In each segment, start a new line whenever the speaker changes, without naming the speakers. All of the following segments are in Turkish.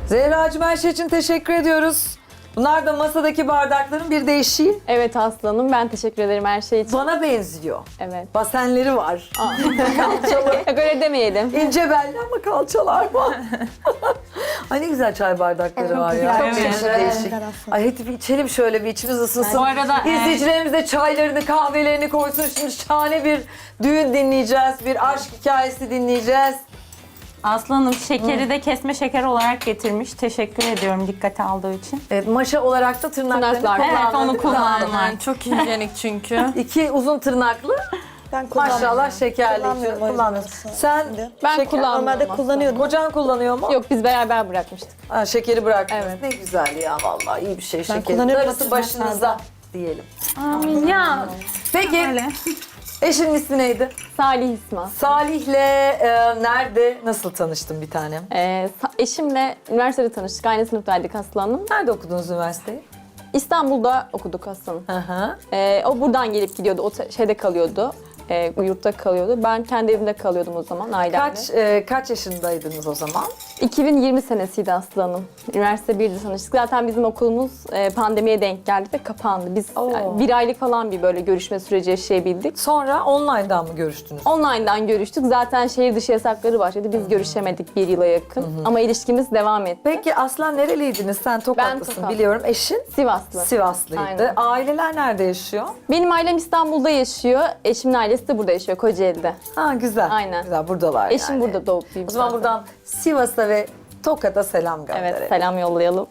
Zehracığım her şey için teşekkür ediyoruz. Bunlar da masadaki bardakların bir değişiği.
Evet aslanım, ben teşekkür ederim her şey için.
Bana benziyor.
Evet.
Basenleri var. Kalçalı.
Yok öyle demeyelim.
İnce belli ama kalçalar var. Ay ne güzel çay bardakları var ya.
Çok
Değişik,
güzel.
değişik. Ay hadi bir içelim şöyle, bir içimiz ısınsın.
Bu arada,
İzleyicilerimiz de çaylarını, kahvelerini koysun. Şimdi şahane bir düğün dinleyeceğiz. Bir aşk hikayesi dinleyeceğiz.
Aslanım şekeri de kesme şeker olarak getirmiş. Teşekkür ediyorum dikkate aldığı için.
Evet, maşa olarak da tırnaklarını
Tırnaklar.
Evet, onu kullandım.
Aynen, çok hijyenik çünkü.
İki uzun tırnaklı.
Ben kullanmıyorum.
Maşallah şekerli.
Kullanmıyorum o yüzden
Kullanmıyorsun.
aslında.
Sen
Ben
şeker-
kullanmıyorum
Normalde
aslında.
kullanıyordum.
Kocan kullanıyor mu?
Yok, biz beraber bırakmıştık.
Ha, şekeri bırakmıyorsun.
Evet.
Ne güzel ya, vallahi iyi bir şey şeker.
kullanıyorum
Darısı
o
başınıza diyelim.
Amin ya.
Peki eşinin ismi neydi?
Salih İsmail.
Salih'le nerede, nasıl tanıştın bir tanem?
Eşimle üniversitede tanıştık. Aynı sınıftaydık aslanım.
Nerede okudunuz üniversiteyi?
İstanbul'da okuduk aslanım.
Hı hı.
O buradan gelip gidiyordu. O şeyde kalıyordu. Yurtta kalıyordu. Ben kendi evimde kalıyordum o zaman ailemle.
Kaç yaşındaydınız o zaman?
2020 senesiydi aslanım. Üniversite 1'de tanıştık. Zaten bizim okulumuz pandemiye denk geldi ve kapandı. Biz
Oo.
bir aylık falan bir böyle görüşme süreci yaşayabildik.
Sonra online'dan mı görüştünüz?
Online'dan görüştük. Zaten şehir dışı yasakları başladı. Biz görüşemedik bir yıla yakın. Ama ilişkimiz devam etti.
Peki aslan nereliydiniz? Sen Tokatlısın
Tokat.
biliyorum. Eşin?
Sivaslı.
Sivaslıydı.
Aynen.
Aileler nerede yaşıyor?
Benim ailem İstanbul'da yaşıyor. Eşimin ailesi de burada yaşıyor, Kocaeli'de.
Ha güzel.
Aynen.
Güzel, buradalar
Eşim
yani.
burada doğup büyümüş.
O zaman
zaten.
buradan Sivas'a ve Tokat'a selam gönderelim.
Evet, selam yollayalım.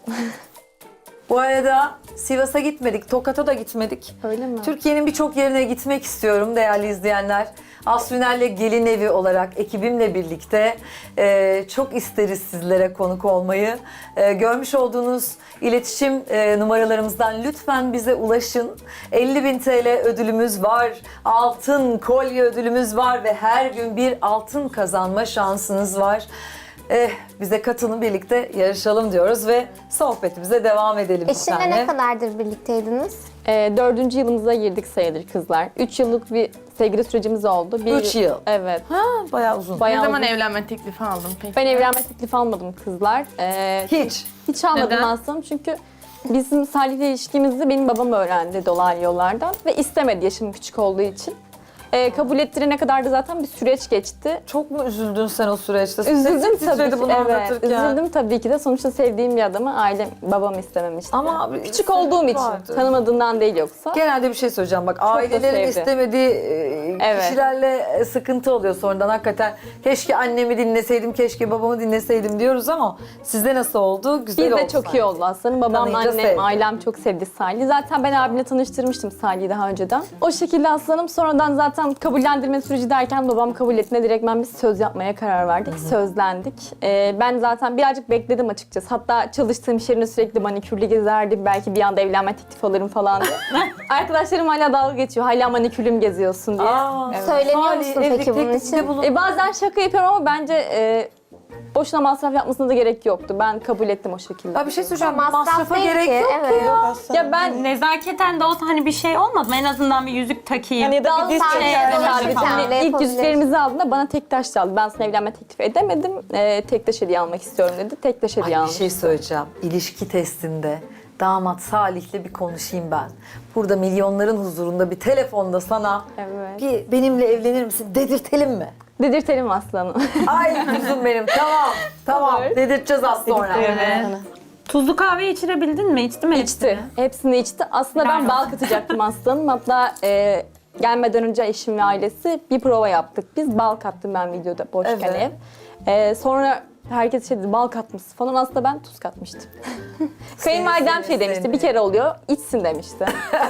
Bu arada Sivas'a gitmedik, Tokat'a da gitmedik.
Öyle mi?
Türkiye'nin birçok yerine gitmek istiyorum değerli izleyenler. Asfinel'le Gelin Evi olarak ekibimle birlikte çok isteriz sizlere konuk olmayı. Görmüş olduğunuz iletişim numaralarımızdan lütfen bize ulaşın. 50.000 TL ödülümüz var, altın kolye ödülümüz var ve her gün bir altın kazanma şansınız var. Bize katılın, birlikte yarışalım diyoruz ve sohbetimize devam edelim. bir
Eşinle
tane.
ne kadardır birlikteydiniz?
4. yılımıza girdik sayılır kızlar. 3 yıllık bir sevgili sürecimiz oldu.
3 yıl.
Evet.
Ha, bayağı uzun.
Bayağı
Ne zaman
uzun.
evlenme teklifi aldın peki?
Ben evlenme teklifi almadım kızlar.
Hiç.
Hiç almadım
Neden?
aslında çünkü bizim Salih'le ilişkimizi benim babam öğrendi dolaylı yollardan ve istemedi yaşım küçük olduğu için. Kabul ettirene kadar da zaten bir süreç geçti.
Çok mu üzüldün sen o süreçte?
Üzüldüm
Sesin
tabii
titredi
ki.
bunu
Evet,
anlatırken.
üzüldüm tabii ki de. Sonuçta sevdiğim bir adamı ailem, babam istememişti.
Ama
küçük
sebep
olduğum için,
vardı.
tanımadığından değil yoksa.
Genelde bir şey söyleyeceğim bak, ailelerin
sevdi.
istemediği
Evet.
kişilerle sıkıntı oluyor sonradan hakikaten. Keşke annemi dinleseydim, keşke babamı dinleseydim diyoruz ama sizde nasıl oldu? Güzel
Biz
oldu
de çok
sanki.
iyi oldu aslında. Babam,
Tanıyınca
annem,
sevdi.
ailem çok sevdi Salih'i. Zaten ben abimle tanıştırmıştım Salih'i daha önceden. O şekilde aslanım. Sonradan zaten kabullendirme süreci derken babam kabul ettiğinde direkt biz söz yapmaya karar verdik. Sözlendik. Ben zaten birazcık bekledim açıkçası. Hatta çalıştığım iş yerine sürekli manikürlü gezerdim. Belki bir anda evlenme teklif alırım falan diye. Arkadaşlarım hala dalga geçiyor. Hala manikürlü mü geziyorsun diye.
Aa,
Söyleniyor
Salih,
musun
evlilik
peki bunun
teklifinde
için?
bulun-
Bazen şaka yapıyorum ama bence boşuna masraf yapmasına da gerek yoktu. Ben kabul ettim o şekilde.
Ya bir şey söyleyeceğim,
Masraf
masrafa
değil
gerek
ki,
yok
evet.
ya.
Ya ben
Nezaketen de olsa hani bir şey olmadı mı? En azından bir yüzük takayım.
Hani da bir diz
Sen
çeker.
de
mesela
yapabilirsin.
hani
Sen de
ilk
yapabilirsin.
yüzüklerimizi aldığında bana tek taş aldı. Ben sana evlenme teklif edemedim. Tek taş hediye almak istiyorum dedi. Tek taş hediye
Ay, bir
almış.
şey söyleyeceğim. İlişki testinde damat Salih'le bir konuşayım ben. Burada milyonların huzurunda bir telefonda sana
Evet.
bir benimle evlenir misin dedirtelim mi?
Dedirtelim aslanım.
Ay kuzum benim, tamam
Olur.
dedirteceğiz az sonra.
Evet. Tuzlu kahve içirebildin mi? İçti mi?
İçti. Hepsini içti. aslında ben bal katacaktım aslanım. Hatta gelmeden önce eşim ve ailesi bir prova yaptık. Biz bal kattım ben videoda boşken
Evet.
ev. Sonra herkes şey dedi, bal katmışsın falan. Aslında ben tuz katmıştım. Kayınvalidem şey demişti,
seni.
bir kere oluyor, içsin demişti.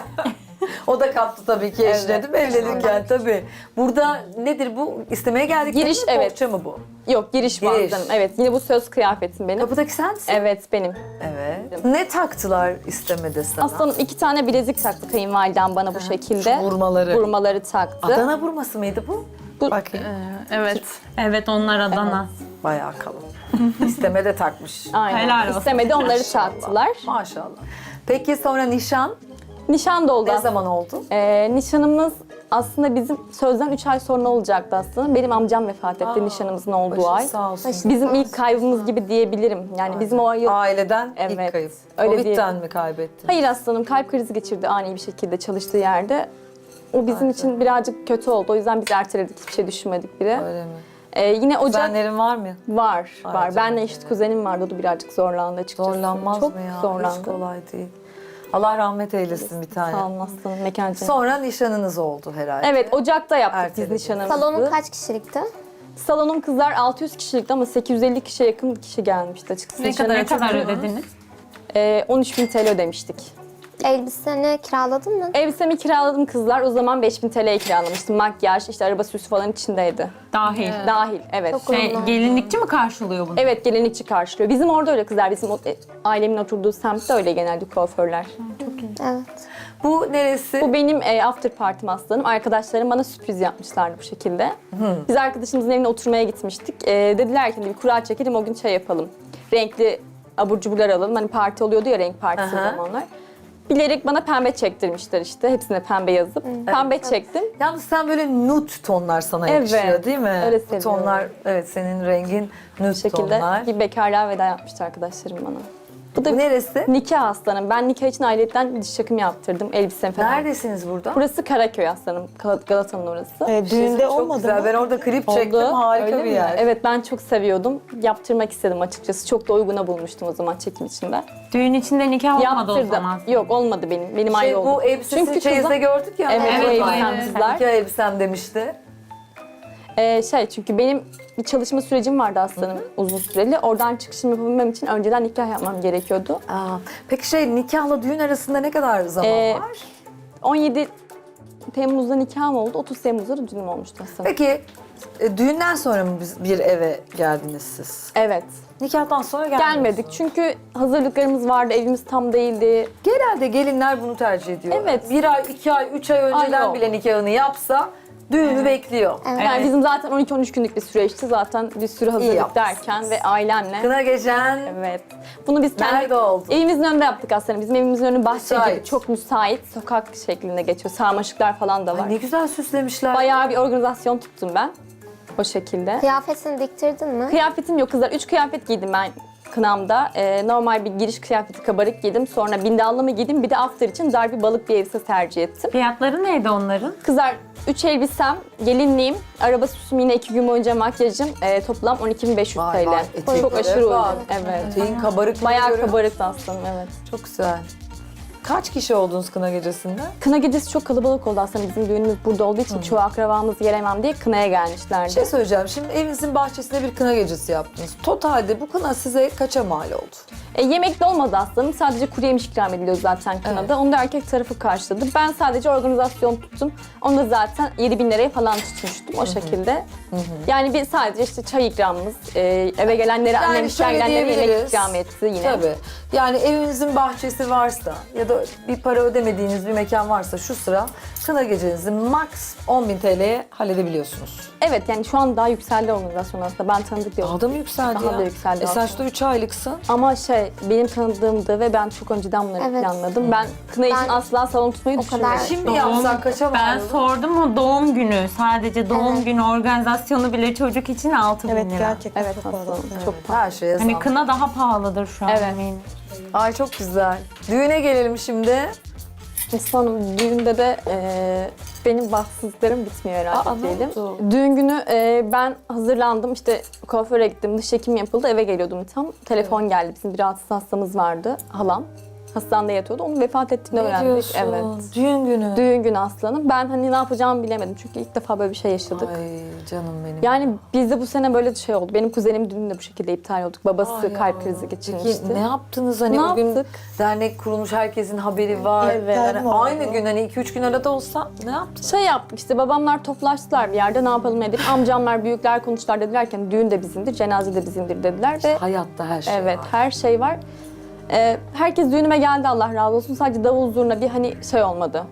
O da kattı tabii ki eşine
Evet.
değil mi evlenirken tabii. Burada nedir bu? İstemeye geldik.
Giriş,
mi?
evet.
Bohça mı bu?
Yok, giriş bu
Giriş.
aslanım. Evet, yine bu söz kıyafetim benim.
Kapıdaki sensin.
Evet, benim.
Evet. Ne taktılar istemede sana?
Aslanım 2 tane bilezik taktı kayınvalidem bana bu şekilde.
Şu vurmaları.
Vurmaları taktı.
Adana vurması mıydı bu?
Bu-
Bakayım.
Evet.
Evet, onlar Adana.
Bayağı kalın. İsteme de takmış.
Aynen.
Helal olsun.
İstemedi, onları taktılar.
Maşallah. Peki sonra nişan
Nişan da oldu.
ne zaman oldu?
Nişanımız Aslında bizim sözden 3 ay sonra olacaktı aslında. Benim amcam vefat etti nişanımızın olduğu
Başın
ay.
sağ olsun.
Bizim ilk kaybımız gibi diyebilirim. Yani bizim o yıl...
Aileden ilk
Evet,
kayıp.
öyle
Covid'den
diyelim.
mi kaybettin?
Hayır aslanım, kalp krizi geçirdi ani bir şekilde çalıştığı yerde. O bizim için birazcık kötü oldu. O yüzden biz erteledik, hiçbir şey düşünmedik bile.
Öyle mi?
Yine Ocak
Kuzenlerin var mı?
var.
canım
Benle eşit kuzenim vardı. O da birazcık zorlandı açıkçası.
Zorlanmaz
Çok
mı ya? Hiç
zorlandı.
kolay değil. Allah rahmet eylesin bir tane.
Sağ olun aslanım, mekan cennet.
Sonra nişanınız oldu herhalde.
Evet, Ocak'ta yaptık
Erteledik.
biz nişanımızı.
Salonun kaç kişilikti?
Salonum kızlar 600 kişilikti ama 850 kişiye yakın kişi gelmişti açıkçası.
Ne kadar ödediniz?
13.000 TL ödemiştik.
Elbiseni kiraladın mı?
Elbisemi kiraladım kızlar. O zaman 5.000 TL'ye kiralamıştım. Makyaj, işte araba süsü falan içindeydi.
Dahil.
Dahil, evet.
Çok uygun.
Gelinlikçi mi karşılıyor bunu?
Evet, gelinlikçi karşılıyor. Bizim orada öyle kızlar. Bizim ailemin oturduğu semtte öyle genelde kuaförler.
Evet.
Bu neresi?
Bu benim after partim aslanım. Arkadaşlarım bana sürpriz yapmışlardı bu şekilde. Biz arkadaşımızın evine oturmaya gitmiştik. Dediler ki bir kura çekelim, o gün çay yapalım. Renkli abur cuburlar alalım. Hani parti oluyordu ya, renk partisi o
Aha.
zamanlar. Bilerek bana pembe çektirmişler işte. Hepsine pembe yazıp. Pembe çektim.
Yalnız sen böyle nude tonlar sana
Evet,
yakışıyor değil mi?
öyle
Bu
seviyorum.
tonlar, evet senin rengin nude
Bu şekilde
tonlar.
bir bekarlığa veda yapmıştı arkadaşlarım bana. Bu da
Bu neresi?
nikah aslanım. Ben nikah için ayrıyetten diş çakımı yaptırdım. Elbisem falan.
Neredesiniz burada?
Burası Karaköy aslanım. Galata'nın orası.
Düğünde
Çok
olmadı
güzel.
mı?
Ben orada klip çektim.
Oldu.
Harika
Öyle
bir
mi?
yer.
Evet, ben çok seviyordum. Yaptırmak istedim açıkçası. Çok da uyguna bulmuştum o zaman çekim içinde.
Düğün içinde nikah olmadı o
Yaptırdım.
zaman.
Yok, olmadı benim. Benim ayrı oldu.
Bu elbisesi
Çünkü
çeyizde
kızlar-
gördük ya.
Evet,
Evet,
bu elbisem
aynen.
kızlar.
Nikah elbisem demişti.
Çünkü benim bir çalışma sürecim vardı aslanım uzun süreli. Oradan çıkışımı yapabilmem için önceden nikah yapmam gerekiyordu.
Aa, peki nikahla düğün arasında ne kadar zaman
Ee,
var?
17 Temmuz'da nikahım oldu. 30 Temmuz'da da düğünüm olmuştu aslanım.
Peki düğünden sonra mı bir eve geldiniz siz?
Evet.
Nikahtan sonra gelmediniz.
Gelmedik çünkü hazırlıklarımız vardı, evimiz tam değildi.
Genelde gelinler bunu tercih ediyor.
Evet.
1 ay, 2 ay, 3 ay önceden
yok.
bile nikahını yapsa düğünü bekliyor.
Yani bizim zaten 12-13 günlük bir süreçti. Zaten bir sürü hazırlık
yapmışsınız.
derken ve ailemle.
Kına gecen
Evet. Bunu biz kendi
nerede oldu?
evimizin önünde yaptık aslında. Bizim evimizin önü bahçe
Müsait.
gibi. Çok müsait. Sokak şeklinde geçiyor. Sarmaşıklar falan da var.
Ay ne güzel süslemişler.
Bayağı bir organizasyon tuttum ben. O şekilde.
Kıyafetini diktirdin mi?
Kıyafetim yok kızlar. 3 kıyafet giydim ben kınamda. Normal bir giriş kıyafeti kabarık giydim. Sonra bindallı mı giydim. Bir de after için dar bir balık bir elbise tercih ettim.
Fiyatları neydi onların?
Kızlar 3 elbisem, gelinliğim, araba süsüm yine 2 gün boyunca makyajım. Toplam 12.500
Vay
TL.
vay,
Çok
eteklere
aşırı
bak.
uygun. Evet.
Eteğin kabarık.
Bayağı kabarık aslanım, evet.
Çok güzel. Kaç kişi oldunuz kına gecesinde?
Kına gecesi çok kalabalık oldu aslında. Bizim düğünümüz burada olduğu için çoğu akrabamız gelemem diye kınaya gelmişlerdi.
Bir şey söyleyeceğim. Şimdi evinizin bahçesinde bir kına gecesi yaptınız. Totalde bu kına size kaça mal oldu?
Yemek de olmadı aslanım. Sadece kuru yemiş ikram ediliyor zaten kınada.
Evet.
Onu da erkek tarafı karşıladı. Ben sadece organizasyon tuttum. Onu da zaten 7.000 liraya falan tutmuştum o şekilde. Yani bir sadece işte çay ikramımız, eve gelenlere,
Yani
annem
şöyle
gelenlere yemek
diyebiliriz.
ikram etti yine.
Tabii. Yani evinizin bahçesi varsa ya da bir para ödemediğiniz bir mekan varsa şu sıra kına gecenizi max 10.000 TL'ye halledebiliyorsunuz.
Evet, yani şu an daha yükseldi organizasyon aslında. Ben tanıdık diyorum.
Daha da mı yükseldi
Daha
ya?
da yükseldi
Sen
aslında.
şurada 3 aylıksın.
Ama benim tanıdığımdı ve ben çok önceden bunları
Evet.
planladım. Ben kına için
Ben
asla salon tutmayı
o kadar-
düşünmüyorum.
Şimdi yapsak kaça mal
Ben
olur?
sordum o doğum günü. Sadece doğum günü organizasyonu bile çocuk için 6.000
Evet
lira.
gerçekten
Evet
çok pahalı.
aslında çok
Her şeye
Hani
zam.
kına daha pahalıdır şu an
Evet.
eminim.
Ay çok güzel. Düğüne gelelim şimdi.
Sonum düğünde de benim bahtsızlıklarım bitmiyor herhalde
Aa, ne
diyelim.
oldu?
Düğün günü ben hazırlandım, işte kuaföre gittim, dış çekim yapıldı, eve geliyordum tam. Telefon geldi, bizim bir rahatsız hastamız vardı, halam. Hastanede yatıyordu, onun vefat ettiğini
Ne
öğrendik.
diyorsun?
Evet.
Düğün günü.
Düğün günü aslanım. Ben hani ne yapacağımı bilemedim çünkü ilk defa böyle bir şey yaşadık.
Ay canım benim.
Yani bizde bu sene böyle şey oldu. Benim kuzenim düğünü de bu şekilde iptal olduk. Babası
Ay
kalp
ya.
krizi
Peki
geçirmişti.
ne yaptınız hani
Ne
o gün
yaptık?
dernek kurulmuş, herkesin haberi var.
Evet.
Yani
mi oldu?
aynı gün hani 2-3 gün arada olsa ne yaptınız?
Şey yaptık işte, babamlar toplaştılar bir yerde, ne yapalım edelim. Amcamlar, büyükler konuştular, dediler ki düğün de bizimdir, cenaze de bizimdir dediler ve
Hayatta her şey
evet
var.
her şey var. Herkes düğünüme geldi, Allah razı olsun. Sadece davul zurna bir hani şey olmadı.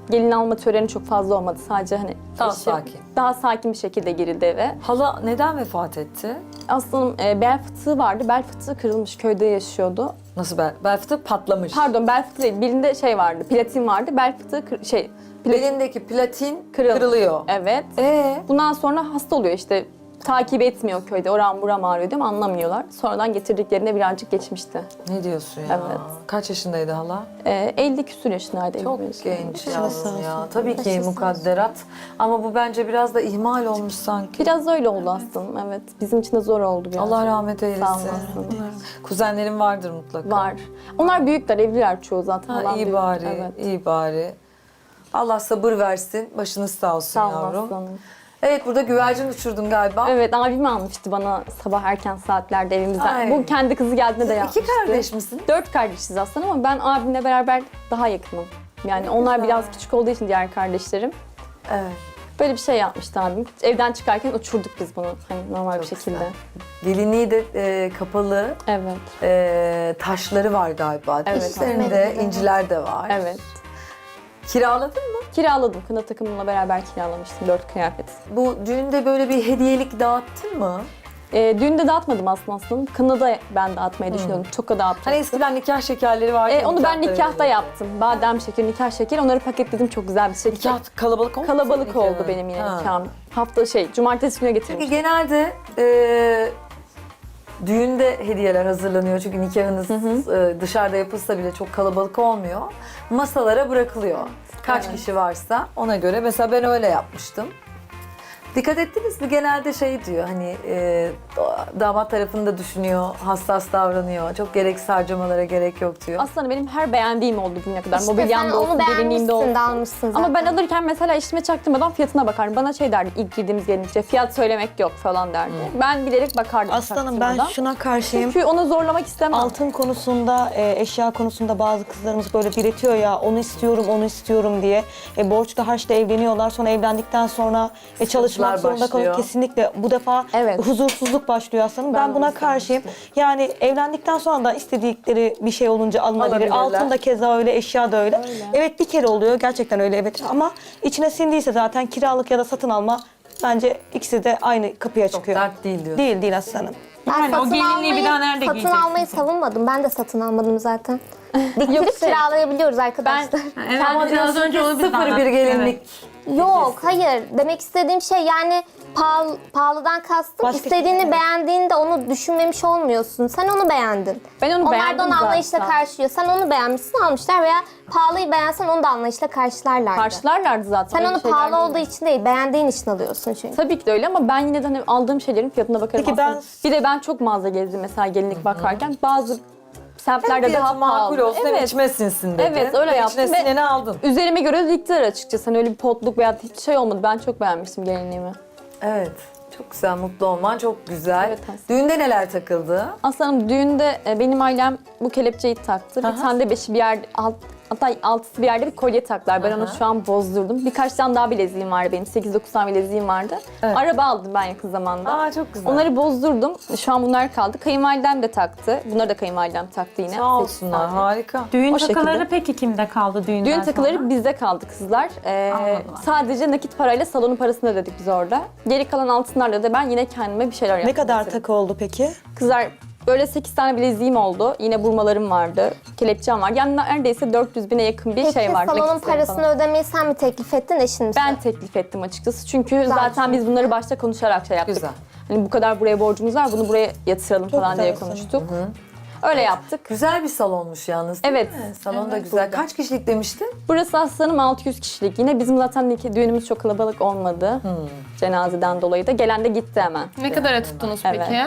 gelin alma töreni çok fazla olmadı. Sadece hani
Daha
eşim-
sakin.
Daha sakin bir şekilde girildi eve.
Hala neden vefat etti?
Aslanım bel fıtığı vardı. Bel fıtığı kırılmış, köyde yaşıyordu.
Nasıl bel fıtığı patlamış?
Pardon, bel fıtığı değil. Birinde şey vardı, platin vardı. Bel fıtığı
Belindeki platin
Kırıl-
kırılıyor.
Evet. Bundan sonra hasta oluyor işte. Takip etmiyor köyde. Oram buram ağrıyor diyorum, anlamıyorlar. Sonradan getirdiklerinde birazcık geçmişti.
Ne diyorsun ya?
Evet.
Kaç yaşındaydı hala?
50 küsur yaşındaydı.
Çok
55 yaşında.
genç yavrum ya. Tabii ki mukadderat. Ama bu bence biraz da ihmal olmuş sanki.
Biraz öyle oldu aslında, evet. Bizim için de zor oldu biraz.
Allah rahmet
Sağ
eylesin.
olasın.
Kuzenlerin vardır mutlaka.
Var. Onlar büyükler, evliler çoğu zaten.
Ha,
Halam
iyi
büyük.
bari,
Evet.
iyi bari. Allah sabır versin, başınız sağ olsun
Sağ ol
yavrum.
aslanım.
Evet, burada güvercin uçurdun galiba.
Evet, abim almıştı bana sabah erken saatlerde evimizden.
Ay.
Bu kendi kızı geldiğinde de yapmıştı.
İki kardeş misin?
4 kardeşiz aslında ama ben abimle beraber daha yakınım. Yani onlar
güzel.
biraz küçük olduğu için diğer kardeşlerim.
Evet.
Böyle bir şey yapmıştı abim. Evden çıkarken uçurduk biz bunu hani normal bir
Çok
şekilde.
güzel. Gelinliği de kapalı,
Evet.
taşları var galiba.
Evet.
Üstlerinde
Evet.
inciler de var.
Evet.
Kiraladın mı?
Kiraladım. Kına takımımla beraber kiralamıştım 4 kıyafet.
Bu düğünde böyle bir hediyelik dağıttın mı?
Düğünde dağıtmadım aslında. Kınada ben dağıtmayı düşünüyordum. Toka dağıtacaktım.
Hani eskiden nikah şekerleri vardı. ya,
Onu ben
nikahlara
nikahta
veriyorlar.
yaptım. Badem şekeri, nikah şekeri. Onları paketledim çok güzel bir şekilde.
Nikah kalabalık oldu mu
Kalabalık
senin
oldu
nikahın?
benim yine
Ha.
nikahım. Cumartesi günü
Çünkü
getirmiştim.
genelde düğünde hediyeler hazırlanıyor. Çünkü nikahınız dışarıda yapılsa bile çok kalabalık olmuyor. Masalara bırakılıyor. Kaç kişi varsa ona göre. Mesela ben öyle yapmıştım. Dikkat ettiniz mi? Genelde şey diyor hani damat tarafını da düşünüyor, hassas davranıyor. Çok gereksiz harcamalara gerek yok diyor.
Aslında benim her beğendiğim oldu bugüne kadar.
İşte sen
Mobilyamda
onu
olsun, gelinliğimde olsun.
beğenmişsin de almışsın zaten.
Ama ben alırken mesela eşime çaktırmadan fiyatına bakardım. Bana şey derdi ilk girdiğimiz gelinlikçe fiyat söylemek yok falan derdi. Ben bilerek bakardım
Aslanım ben
çaktırmadan.
şuna karşıyım.
Çünkü onu zorlamak istemem.
Altın konusunda, eşya konusunda bazı kızlarımız böyle diretiyor ya, onu istiyorum, onu istiyorum diye. Borçlu harçla evleniyorlar. Sonra evlendikten sonra çalışmak zorunda
başlıyor.
kalıyor. Kesinlikle bu defa
Evet.
huzursuzluk başlıyor aslanım. Ben
de
buna
onu
karşıyım. Yani evlendikten sonra da istedikleri bir şey olunca alınabilir.
Alabilirler.
Altın da keza öyle, eşya da öyle. Evet bir kere oluyor. Gerçekten öyle evet. Ama içine sindiyse zaten kiralık ya da satın alma bence ikisi de aynı kapıya çıkıyor.
Dert değil diyor.
Değil aslanım.
Ben
Yani o
satın
gelinliği bir daha nerede
satın
giyeceksin
almayı savunmadım. Ben de satın almadım zaten. Diktirip
Yok, şey-
kiralayabiliyoruz arkadaşlar.
Evet,
Ama
biraz önce onu biz
sıfır bir gelinlik.
Yok, hayır. Demek istediğim şey yani pahalıdan kastım.
Başka
İstediğini
şey, evet.
beğendiğinde onu düşünmemiş olmuyorsun. Sen onu beğendin.
Ben onu
Onlar
beğendim
da onu anlayışla
zaten.
karşılıyor. Sen onu beğenmişsin, almışlar veya pahalıyı beğensen onu da anlayışla karşılarlardı.
Karşılarlardı zaten.
Sen
öyle
onu
şeyler
pahalı
değil.
olduğu için değil, beğendiğin için alıyorsun çünkü.
Tabii ki de öyle ama ben yine de hani aldığım şeylerin fiyatına bakarım
Peki
aslında. Bir de ben çok mağaza gezdim mesela gelinlik bakarken. Bazı semtlerde daha
Fiyatı makul
pahalı.
olsun hem içime sinsin dedi.
Evet, öyle
Ve
yaptım
İçine
ve-
sineni aldın.
Üzerime göre diktiler açıkçası. Hani öyle bir potluk veya hiç şey olmadı. Ben çok beğenmiştim gelinliğimi.
Evet. Çok güzel, mutlu olman çok güzel.
Evet, aslında.
Düğünde neler takıldı?
Aslanım düğünde benim ailem bu kelepçeyi taktı. Bir tane de beşi bir yerde, hatta altısı bir yerde bir kolye taktılar. Ben onu şu an bozdurdum. Birkaç tane daha bileziğim vardı benim. 8-9 tane bileziğim vardı.
Evet.
Araba aldım ben yakın zamanda.
Aa çok güzel.
Onları bozdurdum. Şu an bunlar kaldı. Kayınvalidem de taktı. Bunları da kayınvalidem taktı yine.
Sağ
8
olsunlar,
tane.
harika.
Düğün
O
takıları
şekilde.
peki kimde kaldı düğünden
Düğün takıları
sonra?
bizde kaldı kızlar.
Anladım.
Sadece nakit parayla salonun parasını ödedik biz orada. Geri kalan altınlarla da ben yine kendime bir şeyler yaptım.
Ne kadar
mesela.
takı oldu peki?
Kızlar böyle 8 tane bileziğim oldu. Yine burmalarım vardı. Kelepçem var. Yani neredeyse 400 bine yakın bir
Peki
şey var.
salonun
nakitlerim
parasını
falan.
ödemeyi sen mi teklif ettin, eşin mi?
Ben teklif ettim açıkçası. Çünkü zaten biz bunları başta konuşarak şey yaptık.
Güzel.
Hani bu kadar buraya borcumuz var, bunu buraya yatıralım
Çok
falan diye
güzel
konuştuk. Öyle yaptık.
Güzel bir salonmuş yalnız değil
Evet.
mi? Salon da güzel. Kaç kişilik demiştin?
Burası aslanım 600 kişilik. Yine bizim zaten düğünümüz çok kalabalık olmadı. Cenazeden dolayı da. Gelen de gitti hemen.
Ne kadara tuttunuz
Evet.
peki?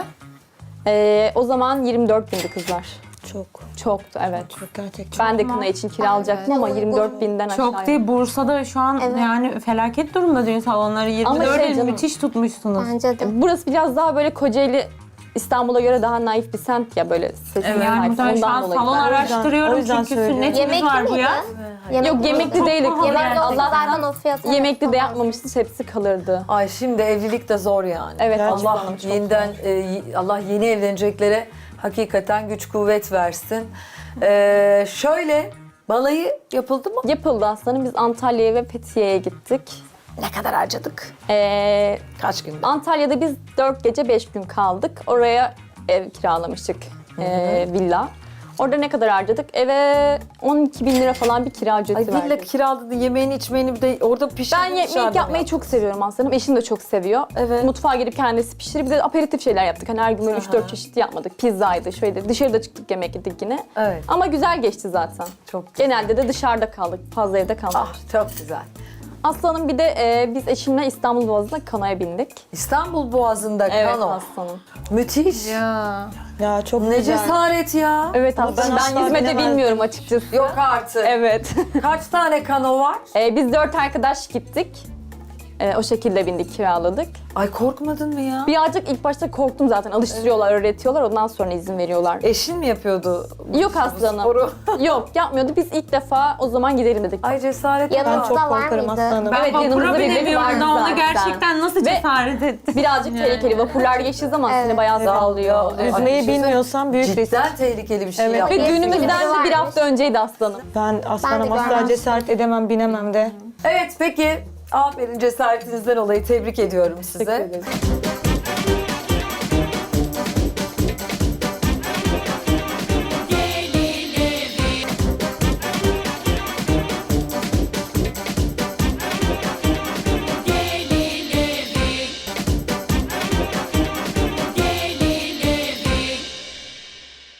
O zaman 24 bindi kızlar.
Çok.
Çoktu evet.
Çok gerçekten.
Ben de kına için kiralayacaktım ama 24 binden aşağı.
Çok değil. Bursa'da şu an
Evet.
yani felaket durumda düğün salonları. 24
şey canım-
müthiş tutmuşsunuz.
Bence de.
Burası biraz daha böyle Kocaeli, İstanbul'a göre daha naif bir semt ya böyle sesli
Yani
naif.
muhtemelen şu an
Ondan dolayı.
salon
Ben-
araştırıyorum
o yüzden
çünkü
söylüyorum.
sünnetimiz
Yemekli
var bu
miydi?
ya.
Yok yemekli değildik.
Yemekli olsa
Allah
zaten o fiyatı.
yemekli de yapmamıştı, hepsi kalırdı.
Ay şimdi evlilik de zor yani.
Evet,
Gerçekten
Allah
çok
yeniden Allah yeni evleneceklere hakikaten güç kuvvet versin. Şöyle Balayı yapıldı mı?
Yapıldı aslanım. Biz Antalya'ya ve Fethiye'ye gittik.
Ne kadar harcadık? Kaç günde?
Antalya'da biz 4 gece 5 gün kaldık. Oraya ev kiralamıştık, villa. Orada ne kadar harcadık? Eve 12 bin lira falan bir kira ücreti
Ay villa
verdik.
kiraladı, yemeğini içmeyini bir de orada pişirdin.
Ben yemek yapmayı çok seviyorum aslında. Eşim de çok seviyor.
Evet.
Mutfağa girip kendisi pişirir. Bir de aperatif şeyler yaptık. Hani her gün böyle 3-4 çeşit yapmadık. Pizzaydı, şöyle dışarıda çıktık yemek yedik yine.
Evet.
Ama güzel geçti zaten.
Çok güzel.
Genelde de dışarıda kaldık. Fazla evde kalmadık.
Ah çok güzel.
Aslanım bir de biz eşimle İstanbul Boğazı'na kanoya bindik.
İstanbul Boğazı'nda
Evet
kano.
aslanım.
Müthiş.
Ya.
Ya çok
Ne
güzel.
cesaret ya.
Evet aslanım.
ben asla
Ben yüzme de
bilemezdim.
bilmiyorum açıkçası.
Yok artık.
Evet.
Kaç tane kano var?
Biz 4 arkadaş gittik. O şekilde bindik, kiraladık.
Ay korkmadın mı ya?
Birazcık ilk başta korktum zaten. Alıştırıyorlar, öğretiyorlar. Ondan sonra izin veriyorlar.
Eşin mi yapıyordu?
Yok aslanım.
sporu?
Yok yapmıyordu. Biz ilk defa o zaman gidelim dedik.
Ay cesaret.
Ben
Yanımızda
çok
var
korkarım
mıydı?
aslanım.
Evet,
Vapura
yanımızda birileri
binemiyorum da
vardı
ona
zaten.
gerçekten nasıl
Ve
cesaret ettin?
birazcık tehlikeli. Vapurlar geçtiği zaman seni bayağı sallıyor.
Evet.
Yüzmeyi
Ay,
bilmiyorsan büyük risk.
Cidden tehlikeli bir şey
Evet.
yaptın.
Ve düğünümüzden de bir
varmış.
hafta önceydi aslanım.
Ben aslanım asla
görmem.
cesaret edemem, binemem de.
Evet peki. Aferin cesaretinizden dolayı tebrik ediyorum size.
Teşekkür ederim.